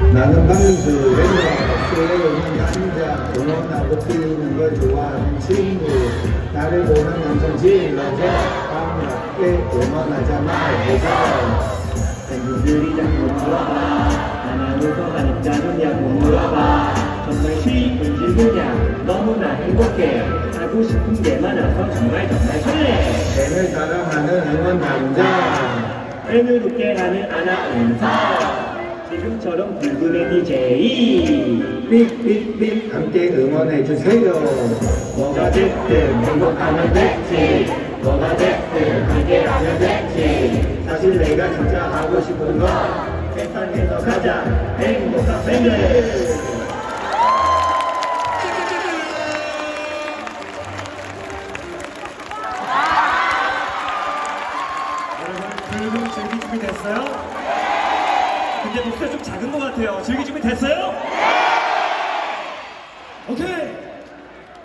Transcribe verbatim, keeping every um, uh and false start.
나는 박명수 랜덤 남자 응원하고 뛰는 걸 좋아하는 친구 나를 보면 엄청 질러져 반갑게 응원하잖아 해서 팬분들이 자꾸 물어봐 하나누가 가니까 냐고 물어봐 정말 쉬운지 그냥 너무나 행복해 하고 싶은 게 많아서 정말 정말 설레 팬을 사랑하는 응원 남자 팬을 웃게 하는 아나운서 지금처럼 불금의 디제이 삑삑삑 함께 응원해주세요 뭐가 됐든 행복하면 됐지 뭐가 됐든 함께 하면 됐지 사실 내가 진짜 하고 싶은 건 세상에서 가장 행복한 팬들 여러분 즐기 준비 됐어요? 근데 목소리 좀 작은 것 같아요. 즐기 준비 됐어요?